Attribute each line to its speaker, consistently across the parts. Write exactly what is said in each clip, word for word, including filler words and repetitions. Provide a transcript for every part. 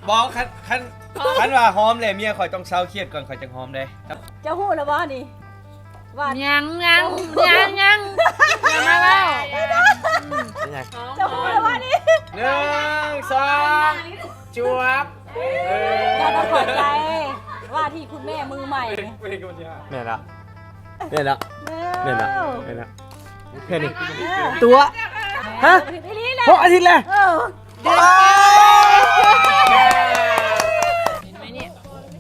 Speaker 1: บอกคันคันคันว่าหอมเลยเมียข่อยต้องเศร้าเครียดก่อนข่อยจังหอมได้ครับ
Speaker 2: จะหู้แล้วบ่นี่ว่า
Speaker 3: ยังยังยังยังยังมาแล้ว
Speaker 2: จะหู้แล้วบ่นี่
Speaker 1: หนึ่งสองจวบ
Speaker 2: อย่าต้องขอใจว่าที่คุณแม่มือใหม่
Speaker 1: เนี่ยละเนี่ยละเนี่ยละเนี่ยละแค่นี้
Speaker 2: ตัว
Speaker 1: ฮะหกอาทิตย์เลย
Speaker 3: เดือนเห็นไหมเนี่ย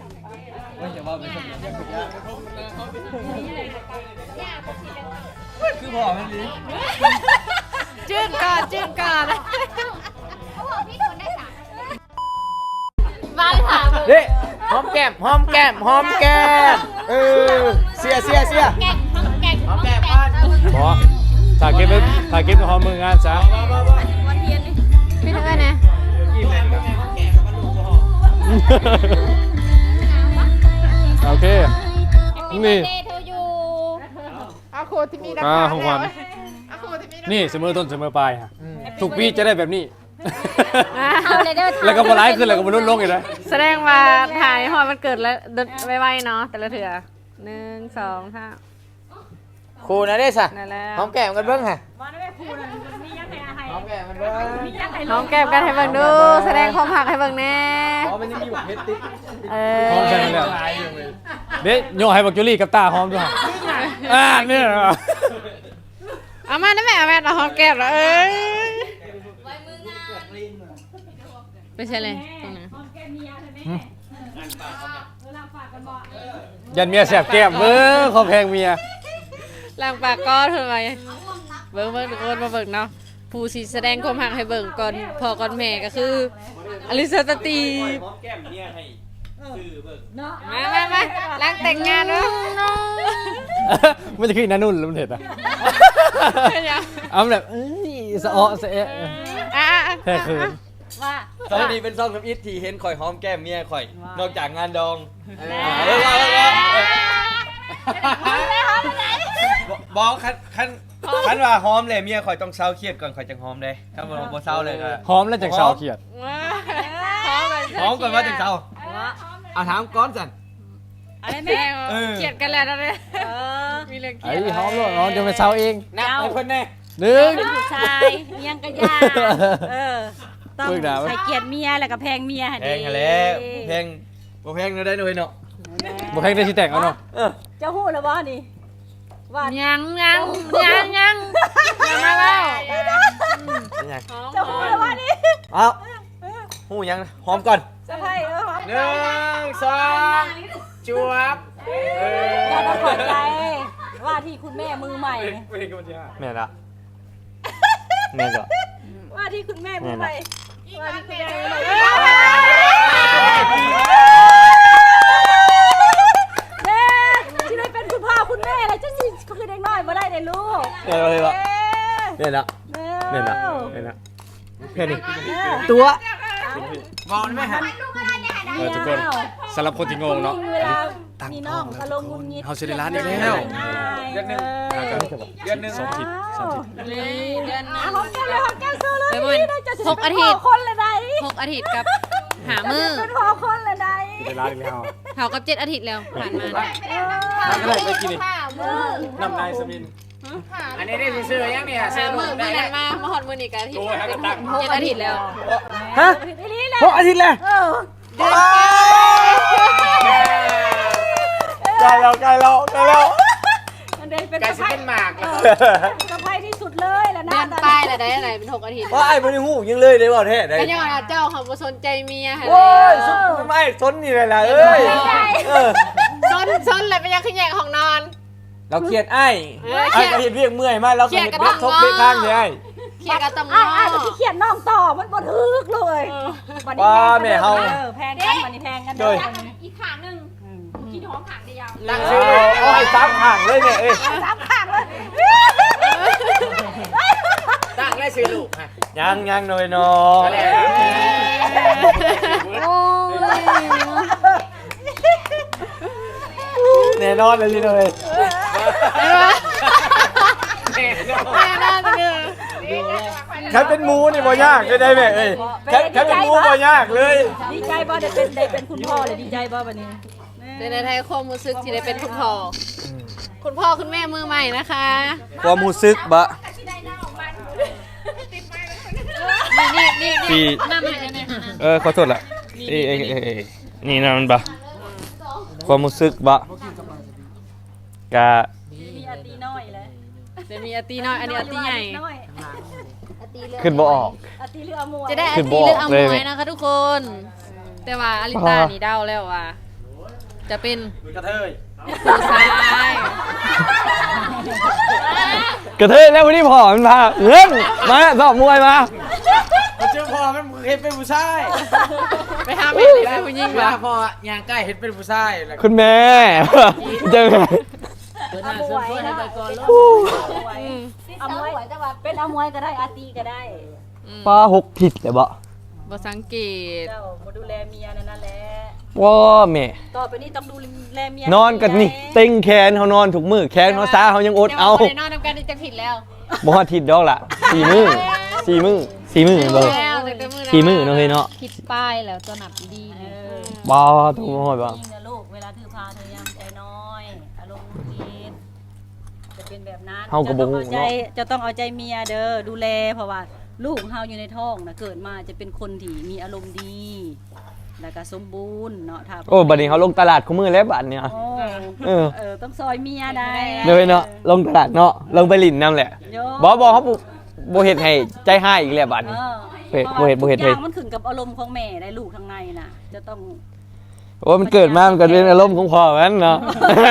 Speaker 1: คือพ่อมันดี
Speaker 3: จืดก่อนจืดก่อน
Speaker 4: เขาบอกพี่โดนได้สาม
Speaker 3: มาถาม
Speaker 1: เฮ้ยหอมแก้มหอมแก้มหอมแก้มเออเสียเสียเสีย
Speaker 3: แกงหอมแกงหอมแกง
Speaker 1: บอถ่ายเก็บถ่ายเก็บกับหอมมืองานซะ
Speaker 3: วันเทียนนี่พี่ทั้งนั้นนะ
Speaker 1: โอเคนี่
Speaker 3: อาโคที่มี
Speaker 1: อ่าของขวัญนี่เสมอต้นเสมอปลายฮะทุกปีจะได้แบบนี้แล้วก็บอลไลค์ขึ้นแล้วก็บอลลดลงอีกนะ
Speaker 3: แสดงว่าถ่ายหอยมันเกิดแล้วไวๆเนาะแต่ละเถื่อหนึ่งสองห้า
Speaker 1: ครูนะเด้สะหอมแก้มกันเบิ้งฮะหอมแก้มกันเบิ้ง
Speaker 3: หอมแก้มกันให้เบิ้งดูแสดงความหักให้เบิ้งแน่
Speaker 1: อ๋อมันยังมีแบบเพชรติ๊ก
Speaker 3: เออ
Speaker 1: หอมใช่ไหมเนี่ยเด็กโยให้บักจูรี่กับตาหอมด้วยอ่าเนี่ย
Speaker 3: เอามาได้ไหมเอาแม่เราหอมแก้มแล้วเอ้ยไม่ใช่เลยตรงนั้น
Speaker 1: ยันเมียแสบแก้มเบิ้งขอแพงเมีย
Speaker 3: ล้างปากก้อนทำไมเบิ้งเบิ้งทุกคนมาเบิ้งเนาะผู้สีแสดงความหักให้เบิ้งก่อนพอก่อนแม่ก็คืออลิซาตีมามามาล้างแต่งงานเนาะ
Speaker 1: มันจะขึ้นนั่นนู่นแล้วมันเห็นอ่ะเอาแบบเอ้ยสะอ้อสะเอะแค่คืนว่าตอนนี้เป็นซองกับอิทที่เห็นข่อยหอมแก้มเมียข่อยนอกจากงานดองเออบอกคันคันคันว่าหอมเลยเมียข่อยต้องเศร้าเครียดก่อนข่อยจังหอมได้ถ้ามันบ่เศร้าเลยก็หอมแล้วจังเศร้าเครียดหอมก่อนว่าจังเศร้าเอาถามก้อนสัน
Speaker 3: อะไรแม่เครียดกันแล้วนะเนี่ยมีเรื่องเครียด
Speaker 1: ไอ้หอมแล้วหอมจะไปเศร้าเองนับให้เพิ่นแน่ห
Speaker 2: นึ่
Speaker 1: ง
Speaker 2: ผู้ชายเมียงกระยาเออต้องให้เกียรติเมียแล้วก็แพงเมีย
Speaker 1: แพงแล้วแพงบ่แพงได้หน่อยเนาะบ่แพงได้สิแต่งเอาเนาะ
Speaker 2: จะหู้แล้วบ่นี่ว่า
Speaker 3: ยังยังยังยังยังมาแล้ว
Speaker 2: จะหู้แล้วบ่นี่
Speaker 1: เอาหู้ยังหอมก่อน
Speaker 2: จะให้เออหอม
Speaker 1: หนึ่งสองจวบ
Speaker 2: อย่าต้องขอใจว่าที่คุณแม่มือใหม่
Speaker 1: แม่ละแม่ก็
Speaker 2: ว่าที่คุณแม่มือใหม่ว่าที่คุณแม่มือใหม่เด็กที่ได้เป็นคุณพ่อคุณแม่แล้วจะสิคือเด็กน้อยมาได้เลยลูก
Speaker 1: เนี่ยเลยละเนี่ยละเนี่ยละเนี่ยละแค่นี้
Speaker 2: ตัว
Speaker 1: มองได้ไหมฮะเออทุกคนสำหรับคนที่งงเนาะ
Speaker 2: ตั้งน้องอารมณ์งุนงิด
Speaker 1: เฮาสิได้ร้านอีกแล้วเดือนนึงเดือนนึงสองทิศสองทิศ
Speaker 3: เดือนนึง
Speaker 2: หอมแก้มเลยหอมแก้มสู้เลย
Speaker 3: หกอาทิตย์
Speaker 2: คนละใด
Speaker 3: หกอาทิตย์กับหามือ
Speaker 2: เป็นพอคนละใด
Speaker 1: ได้ร้านอีกแล้ว
Speaker 3: เฮากับเจ็ดอาทิตย์แล้วผ่านมา
Speaker 1: ทำอะไรไปกินนี่น้ำนายสมินอันนี้ได้ซื้อยังเนี่ยซื้อมือ
Speaker 3: ได้มามาหอดมือนี่กันอาทิตย์เจ็ดอาทิตย์แล้ว
Speaker 1: ฮะหกอาทิตย์แล้วใกล้แล้วใกล้แล้วใกล้แล้ว
Speaker 2: เป็นสะพาย
Speaker 1: หมาก
Speaker 2: สะพายที่สุดเลยแล้วนะ
Speaker 3: เดือนปลายแล้วได้อะไรเป็นหกอาทิตย์
Speaker 1: ว่าไอ้บริหูยังเลยได้บ่แท้ได้
Speaker 3: ก็ยังว่าเจ้าเขาบ่สนใจเมีย
Speaker 1: โอ้ยสุดไม่สนนี่เลยล่ะเอ้ย
Speaker 3: สนสนเลยไปยังขึ้นแยกของนอน
Speaker 1: เราเครียดไอ้ไอ้ก็เห็นเรียกเมื่อยมาเราก็เห็นเบ็ดทบเบ็ดข้างใช่
Speaker 3: เครียดกับตำ
Speaker 2: อ้อ้ก็ที่เขียนน้องต่อมันบ่ทึกเลย
Speaker 1: ว่าแม่เฮา
Speaker 2: แพงกันวันนี้แพงกัน
Speaker 4: เลยอีกขางนึงกินหอมขางเดียว
Speaker 1: ตั้งชื่อเอาให้สามขางเลยเนี่ยเอ้ย
Speaker 2: สามขางเลย
Speaker 1: ตั้งได้ชื่อลูกยังยังหน่อยน้อง แน่นอนเลยเลย
Speaker 3: แน่นอนเลย
Speaker 1: แค่เป็นหมูนี่บ่ยากได้ไหมเอ้ยแค่แค่เป็นหมูบ่ยากเลย
Speaker 2: ดีใจบ่ได้เป็นได้เป็นคุณพ่อเลยดีใจบ่บัดนี้
Speaker 3: ในในไทยความรู้สึกที่ได้เป็นคุณพ่อคุณพ่อคุณแม่มือใหม่นะคะ
Speaker 1: ความรู้สึกบะ
Speaker 3: นี่นี่นี่
Speaker 1: ที่
Speaker 3: หน้าใหม่กันเนี่ย
Speaker 1: เออขอโทษละเอ้ยเอ้ยเอ้ยเอ้ยนี่นะมันบะความรู้สึกบะกะ
Speaker 2: มีอาตีน้อยแหละ
Speaker 3: เดี๋ยวมีอาตีน้อยอันนี้อาตีใหญ่
Speaker 2: น้อย
Speaker 1: ขึ้นบ่ออก
Speaker 2: อาตีเรือมวย
Speaker 3: จะได้อา
Speaker 1: คือ
Speaker 3: ตี
Speaker 1: บอก
Speaker 3: เลือกเอา
Speaker 1: เลย
Speaker 3: มวยนะคะทุกคน แต่ว่าอลิตานี่เดาแล้วว่า จะเป็น
Speaker 1: กระเทย
Speaker 3: ผู้ชาย
Speaker 1: กระเทยแล้ววันนี้พ่อมันพาเงินมาสอบมวยมาเจอพ่อมันเห็นเป็นผู้ชาย
Speaker 3: ไปหาแม่หรือเป็นผู้หญิงวะ
Speaker 5: พอย่างใกล้เห็นเป็นผู้ชายแล้ว
Speaker 1: คุณแม่เจอไง
Speaker 2: เอามวยนะเอามวยเป็นเอามวยก็ได้อาตีก็ได้
Speaker 1: ป้าหกผิดเลยบ่
Speaker 3: บ่สังเกต
Speaker 2: เจ้ามาดูแลเมียนั่นนั่นแหละ
Speaker 1: ว้าแม่
Speaker 2: ต่อไปนี้ต้องดูแลเมีย
Speaker 1: นอนกันนี่เต็งแขนเขานอนถูกมือแขนเขาซ้าเขายังอดเอา
Speaker 3: ดี๋ยวบ่ได้นอนทำกันจะผิดแล้ว
Speaker 1: บ่ฮอดทิศดอกล่ะสี่มือสี่มือสี่มือเบิ่ง
Speaker 3: แล้วแต่มือ
Speaker 1: สี่มือเนาะเฮ้ยเนาะ
Speaker 3: ผิดป้ายแล้วตัวหนับดี
Speaker 2: เออ
Speaker 1: บ่ถูกฮอดบ่
Speaker 2: จริงนะลูกเวลาถือพาเธอยังใจน้อยอารมณ์ดีจะเป็นแบบนั้น
Speaker 1: เฮาก็บ่
Speaker 2: จะต้อง
Speaker 1: ฮู้
Speaker 2: เอาใจ
Speaker 1: เนาะ
Speaker 2: จะต้องเอาใจเมียเด้อดูแลเพราะว่าลูกของเฮาอยู่ในท้องนะเกิดมาจะเป็นคนที่มีอารมณ์ดีแล้วก็สมบูรณ์เนาะถ้า
Speaker 1: โอ้บัดนี้เขาลงตลาดคู่มือแล้วบัดเนี่ย
Speaker 2: โอ้
Speaker 1: เออ
Speaker 2: เออต้องซอยเมียได้
Speaker 1: เลยเนาะลงตลาดเนาะลงไปลินนํแหละ
Speaker 2: โย
Speaker 1: บ่บ่เขาบ่บ่เฮ็ดให้ใจหายอีกแล้วบัด
Speaker 2: เอ
Speaker 1: นี้
Speaker 2: อ
Speaker 1: เฮ็ดบ่เฮ็ดบ่เฮ็ด
Speaker 2: ทุ
Speaker 1: เฮ็
Speaker 2: ก
Speaker 1: ด
Speaker 2: อย่างมันขึ้นกับอารมณ์ของแม่ได้ลูกทางในน่ะ จะต้อง
Speaker 1: โอ้มันเกิดมามันก็เป็นอารมณ์ของพ่อมันเนาะ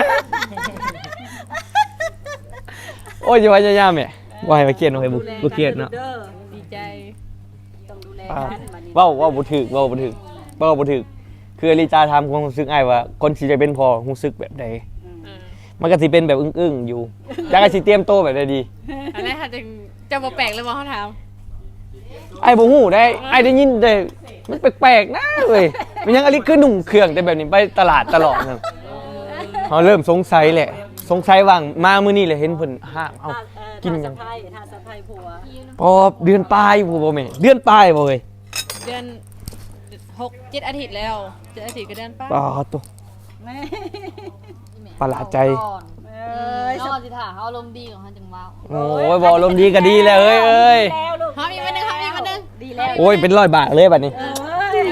Speaker 1: โอ้ยอย่าว่าอย่าๆแม่บ่ให้มาเครียดเนาะเฮ้ยบ่บ่เครียดเนาะ
Speaker 2: ด้อ
Speaker 3: ดีใจ
Speaker 2: ต้องดูแล
Speaker 1: อ่า
Speaker 2: กันบัดนี้
Speaker 1: เว้าเว้าบ่ถูกเว้าบ่ถูกเว้าบ่ถูกคืออลิจาถามความรู้สึกอ้ายว่าคนสิจะเป็นพ่อรู้สึกแบบใด
Speaker 2: อืม
Speaker 1: มันก็สิเป็นแบบอึ้งๆอยู่จักก็สิเตรียมโตวแบบใดดี
Speaker 3: อันนี้ค่ะจะจะมาแปลกเลยมองเขาถาม
Speaker 1: ไอ้ายบ่ฮู้ได้ไอ้ายได้ยินแต่มันแปลกๆนะเว้ยมันยังอลิคือหนุ่มเครื่องแต่แบบนี้ไปตลาดตลอดนั่นเฮาเริ่มสงสัยแหละสงสัยว่างมามื้อนี้เลยเห็นเพิ่นห้ามเอ้า
Speaker 2: ถ้าเอ่อ
Speaker 1: กิน
Speaker 2: ถ้า
Speaker 1: ยั
Speaker 2: สะ
Speaker 1: ง
Speaker 2: พายถ้าสะพายผัว
Speaker 1: พอเดือนปลายบ่บ่แม่เดือนปลายบ่เว้ย
Speaker 3: เดือนหกเจ็ดอาทิตย์แล้วเจ็ดอาทิตย์ก็เดือนป้า
Speaker 1: ปาตัว
Speaker 2: แม่
Speaker 1: ประหลาดใจ
Speaker 2: เอ้ย
Speaker 6: นอนสิถ่าเขาอารมณ์ดีของเขาจังว้าว
Speaker 1: โอ้ยบ่ลมณ์ดีก็ดีแล้วเอ้ยเอ้ย
Speaker 2: แล้วลูก
Speaker 3: หอมอีกวันหนึงหอมอีกวันหนึง
Speaker 2: ดีแล้ว
Speaker 1: โอ้ยเป็นร้อยบาทเลยบัดนี้
Speaker 2: เอ้ย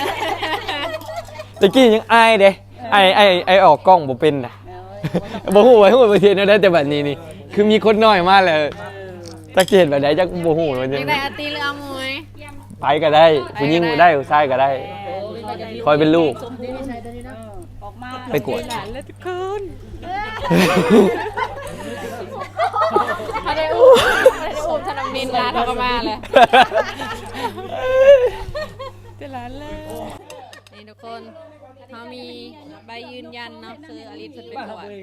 Speaker 1: ตะกี้ยังอายเด้ไอไอไอออกกล้องบ่เป็นน่ะ บ่ฮู้ว่าฮู้ประเทศนั้นได้แต่บัดนี้นี่คือมีคนน้อยมาแล้วจักสิเฮ็ดแบบใดจักบ่ฮู้ว่า
Speaker 3: อ
Speaker 1: จั
Speaker 3: ยาง กได้อาตีหรืออามวย
Speaker 1: ไปก็ได้ผู้หญิงก็ได้ผู้ชายก็ได้ คอยเป็นลูก
Speaker 2: สมบูรณ์ออกมา
Speaker 1: ไปกวด
Speaker 3: หลานแล้วทุกคนเขาได้อุ้มเขาได้อุ้มธนมินร้านเขาก็มาเลยเจะร้านเลยนี่ทุกคนเขามีใบยืนยันเนาะคืออลิสเป็นก่อน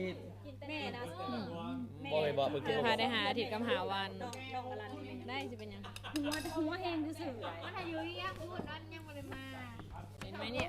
Speaker 3: คือพาได้หาอาทิตย์กับหาวันได้จะเป็นยัง
Speaker 2: หัวหัวแห้งซื่อ
Speaker 4: อายุยังพูดนั้นยังไม่ได้มา
Speaker 3: เห็นไหมเนี่ย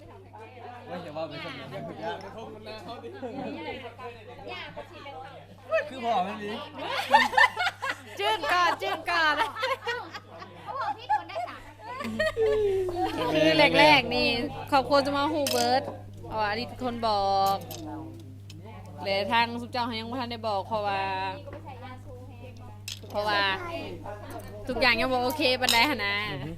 Speaker 1: คือพ่อมันนี่
Speaker 3: จืดก่อนจืดก่อน
Speaker 4: เขาบอกพี่โดนได้สาม
Speaker 3: คือแรกๆนี่ขอบคุณจะมาฮูเบิร์ตอ๋ออดีตคนบอกเลยทางสุเจ้าเขายังไม่ทันได้บอกเพราะว่า เพราะว่าทุกอย่างยังบอกโอเคบันไดหนนะ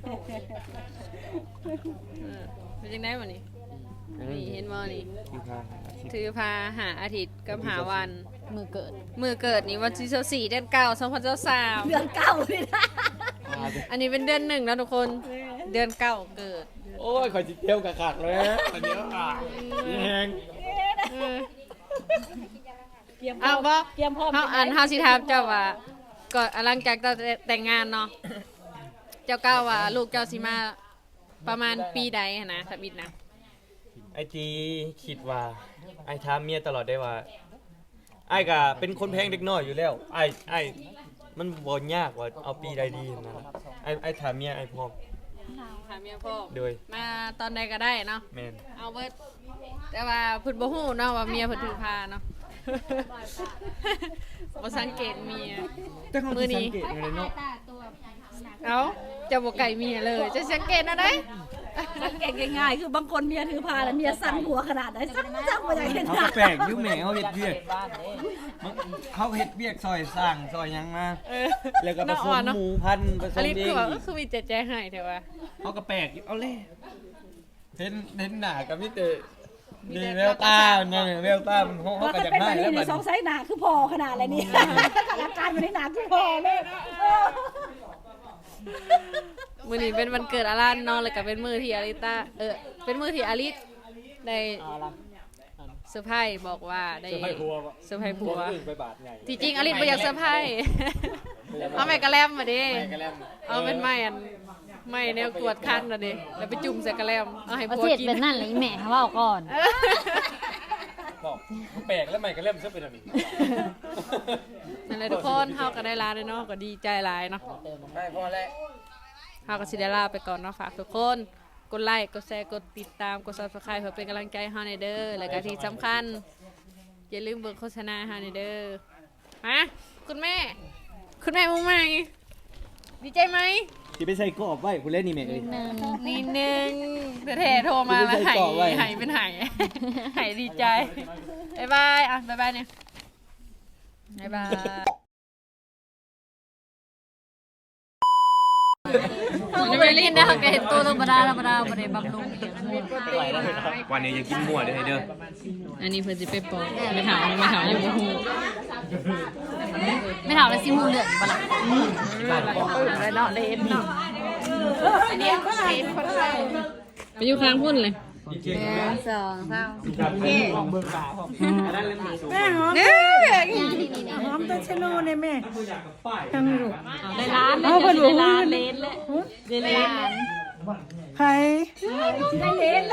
Speaker 3: เออเป็นยังไงวะนี่นี่เห็นบ่นี่ถือพาหาอาทิตย์กับหาวัน
Speaker 6: มือเกิด
Speaker 3: มือเกิดนี่วันที่สี่เดือนเก้าสองพันสาม
Speaker 2: ๆเดือนเก้าเลยนะ
Speaker 3: อันนี้เป็นเดือนหนึ่งแล้วทุกคนเดือนเก้าเกิด
Speaker 1: โอ้ยข่อยสิเที่ยวกะคักเลยอันเดียวอ่ะแฮง
Speaker 3: เออ
Speaker 2: เตรียมพร้
Speaker 3: เอา
Speaker 2: อม
Speaker 3: บ่
Speaker 2: เตรียมพร้อม
Speaker 3: เฮาอันเฮาสิถามเจ้าว่าก่อนหลังจากเจ้าแต่งงานเนาะเจ้าก้าวว่าลูกเจ้าสิมาประมาณปีใดหั้นนะสมิทนะ
Speaker 1: ไอจีคิดว่าไอถามเมียตลอดได้ว่าไอก็เป็นคนแพงเด็กน้อยอยู่แล้วไอไอมันบ่ยากว่าเอาปีใดดีนะไอไอถามเมียไอพร้อม
Speaker 3: ถามเมียพ่อ
Speaker 1: โดย
Speaker 3: มาตอนใดก็ได้เนาะ
Speaker 1: แม่น
Speaker 3: เอาเบิดแต่ว่าเพิ่นบ่ฮู้เนาะว่าเมียเพิ่นถือพาเนาะบ่สังเกตเมีย
Speaker 5: แต่เขา
Speaker 3: มื้อนี้
Speaker 5: สังเกตอยู่เลยเนาะ
Speaker 4: ตาตัวหนัก
Speaker 3: เอ้าเจะบ่ไก่เมียเลย จะสังเกตอะไร
Speaker 2: สังเกตง่ายๆคือบางคนเมียถือพาแล้วเมียสั่นหัวขนาดไหนสั่นจังบ่อยากเห็น
Speaker 5: เขา
Speaker 2: หน้า
Speaker 5: ก็แปลกอยุ่แหม่เขาเฮ็ดเวียกเขาเฮ็ดเวียกซอยสร้างซอยหยังมา
Speaker 3: เออ
Speaker 5: แล้วก็ผ
Speaker 3: เนาะ
Speaker 5: ส
Speaker 3: อ่อ
Speaker 5: ม
Speaker 3: นเนาะ
Speaker 5: หมูพันธุ์ผส
Speaker 3: อ
Speaker 5: ม
Speaker 3: ลิส
Speaker 5: เอ
Speaker 3: คือง ว่าเออคือมีใจใจให้แต่ว่า
Speaker 5: เขาก็แปลกอยู่เอาเลยเห็นเห็นหน้ากับมิเตดีแววตาเนี่ยแววตามันเขา
Speaker 2: ว่า
Speaker 5: ก็
Speaker 2: ก็
Speaker 5: จะ
Speaker 2: เป็น
Speaker 5: ให้
Speaker 2: แบบนี้
Speaker 5: แล้ว
Speaker 2: ใน
Speaker 5: บัด
Speaker 2: สองไซส์หนาคือพอขนาดอะไรนี่อาการมันในหนาคือพอเลย
Speaker 3: มื้อนี้เป็นวันเกิดอารันเนาะแล้วก็เป็นมื้อที่อาริตาเออเป็นมื้อที่อาริสได้เซอร์ไพรส์บอกว่าได้เซอร์ไพรส์ผัวเซอร์ไพรส์ผัวที่จริงอาริสบ่อยากเซอร์ไพรส์เอาไม้กระแลมมาดิเอาเป็นไม้อันไม้แนวกวดคันน่ะดิแล้วไปจุ่มใส่กระแลมเอาให้
Speaker 6: ประ
Speaker 3: ผัว
Speaker 6: เทศ
Speaker 3: กิน
Speaker 6: เป็นนั่นเลยแม่เขาว่าก่อน
Speaker 1: บอกแปลกแล้วใหม่ก็เล่มซะเป็นอันนี้
Speaker 3: นั่นแหละทุกคนเฮาก็ได้ลาด้วยเนาะก็ดีใจหลายเนาะ
Speaker 5: ไม่พอแล้ว
Speaker 3: เฮาก็สิได้ลาไปก่อนเนาะฝากทุกคนกดไลค์กดแชร์กดติดตามกด Subscribe เพื่อเป็นกำลังใจให้เฮาในเด้อแล้วก็ที่สำคัญอย่าลืมเบิ่งโฆษณาให้เฮาในเด้อมาคุณแม่ คุณแม่มุ้งใหม่ดีใจไหม
Speaker 5: ที่ไปใส่กรอบไว้ผู้เล่นนี่แม่เอ้ย
Speaker 3: นิดนึงเท่ๆโทรมาแล้ว
Speaker 5: ไม่ได้
Speaker 3: หาย
Speaker 5: เกาะไว้
Speaker 3: หายเป็นหายหายดีใจบ๊ายบายอ่ะบ๊ายบายเนี่ยบ๊ายบายมันไม่ลิ้นนะเห็นตัวธรรมดาธรรมดาไม่ได้บำรุงอีก
Speaker 5: วันนี้อย่ากินมั่วเด้อเด้อ
Speaker 3: อันนี้เพื่อจะไปปอกไม่ถามไม่ถามยังไม่หู
Speaker 6: ไม่ถามเลยซิมูเลือดบ้าละ
Speaker 3: อะไรเนาะเลนเนาะอันนี้เลนคนไทยไปอยู่ข้างพุ่นเลย
Speaker 6: สองสาม
Speaker 2: แม่หอม
Speaker 3: เนี่ย
Speaker 2: หอมตะชะโนเนี่ยแม่ทำอยู่
Speaker 3: ได้ร้านเลยได้ร้านเลนเลยได้ร้าน
Speaker 2: ใครได้เลนเลย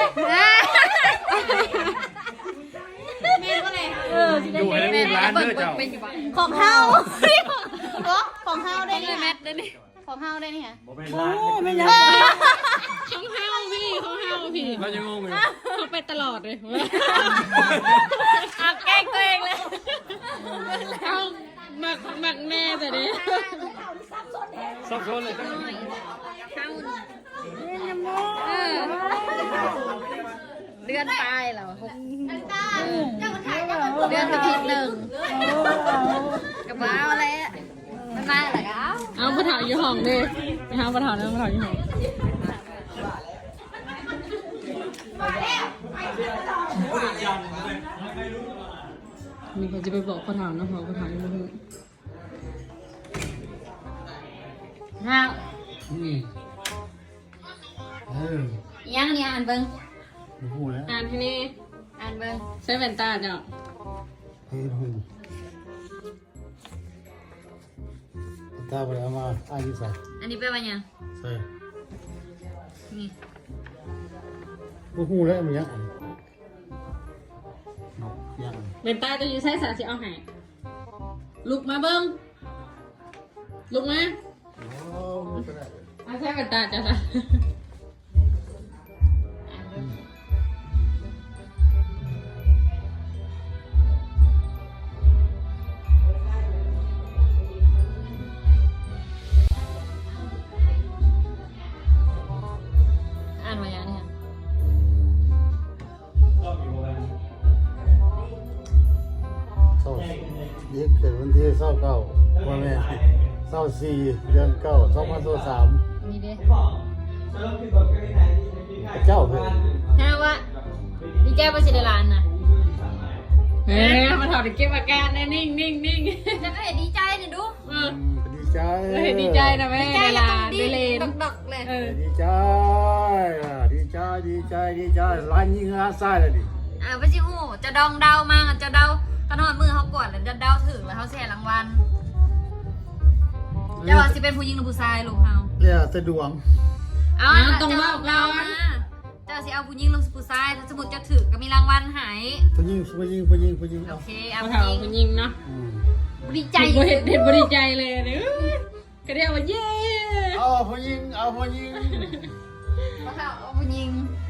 Speaker 6: แม่ก็เลย
Speaker 2: เออสิได้เลน
Speaker 3: แม่ร้านเด้อเจ้า
Speaker 6: ของเฮาของเฮาได้นี่
Speaker 3: แมทได้นี่
Speaker 6: ของเฮาได้นี่ฮะ
Speaker 2: โอ้ไม่ยัง
Speaker 3: ของเฮาพี่ของเฮาพี่เราจะงงอยู่เขาไปตลอดเลยเอาแกล้งตัวเองเลยเอาหมักหมักแม่แต่เนี้ย
Speaker 1: ซับซ้อนเลย
Speaker 3: เดือนตายเหรอ
Speaker 4: ตาเจ้าถ่ายเจ้าเป็น
Speaker 3: เดือนอาทิตย์หนึ่งกับบ้าอะไรมันมาเหรอเอาปะเถาอยู่ห้องดิไปหาปะเถาเนี่ยปะเถาอยู่ห้องมีคนจะไปบอกปะเถานะพอปะเถาอยู่ห้อง
Speaker 6: เฮายังเนี่ยอ่านเบิ่ง
Speaker 7: พูดแล้ว
Speaker 3: อ่านที่นี่
Speaker 6: อ่านเบิ่ง
Speaker 3: ใช้แว่นตาจ้ะ
Speaker 7: เฮ้ยพูดตาไปเอามาอายุใส่
Speaker 6: อันนี้เป็นว่าหยัง
Speaker 7: ใส่
Speaker 6: นี่
Speaker 7: พูดพูดแล้วมันยังยัง
Speaker 3: แว่นตาจะอยู่ใช้สาสิเอาให้ลุกมาเบิ้งลุกมา
Speaker 7: โอ้ไม่เป็นไร
Speaker 3: เอาใช้แว่นตาจ้ะนะ
Speaker 6: อ่านว่าหยังเนี่ย
Speaker 7: เศร้าเด็กเกิดวันที่เศร้าเก้าวันแม่เศร้าสี่เดือนเก้าสองพันสิบสาม
Speaker 6: นี่เด้
Speaker 7: เจ้าเพื่อน
Speaker 6: ฮะว่าดีใจบ่สิได้หลานน่ะ
Speaker 3: เฮ้ยมาถอดเก็บอาการแน่นิ่งนิ่งนิ่ง
Speaker 6: จะก็เห็นดีใจนี่ดู
Speaker 3: เออ
Speaker 7: ดีใจ
Speaker 3: เฮ้ยดีใจนะแม่ได้ลาได้เลน
Speaker 6: ดอกๆเลย
Speaker 3: เออ
Speaker 7: ดีใจดีใจดีใจดีใจร้านยิงอาซ่าเลยดิ
Speaker 6: อ่าบ่สิฮู้จะดองเดามาจะเดาตอนนอนมือเฮากดแล้วจะเดาถึงแล้วเฮาแช่รางวัลจะว่าสิเป็นผู้หญิงหรือผู้ชายลูกเฮา
Speaker 7: เรียกสะดวง
Speaker 6: เอาตรงว่าเราเจ้าสิเอาผู้หญิงหรือผู้ชายถ้าสมมุติจะถึกก็มีรางวัลให้
Speaker 7: ผู้หญิงผู้หญิงผู้หญิงผู้หญิง
Speaker 6: โอเคเอา
Speaker 3: มา
Speaker 6: ผู้
Speaker 3: ถาม
Speaker 6: หญิง
Speaker 3: คุณยิงเนาะ
Speaker 7: อืม
Speaker 6: ดีใจ
Speaker 3: เห็นเห็นเห็นบริใจเลยเนี่ยก็เรียกว่าเย้
Speaker 7: เอาผู้หญิงเอาผู้หญิง
Speaker 6: เอาผู้หญิง
Speaker 3: เ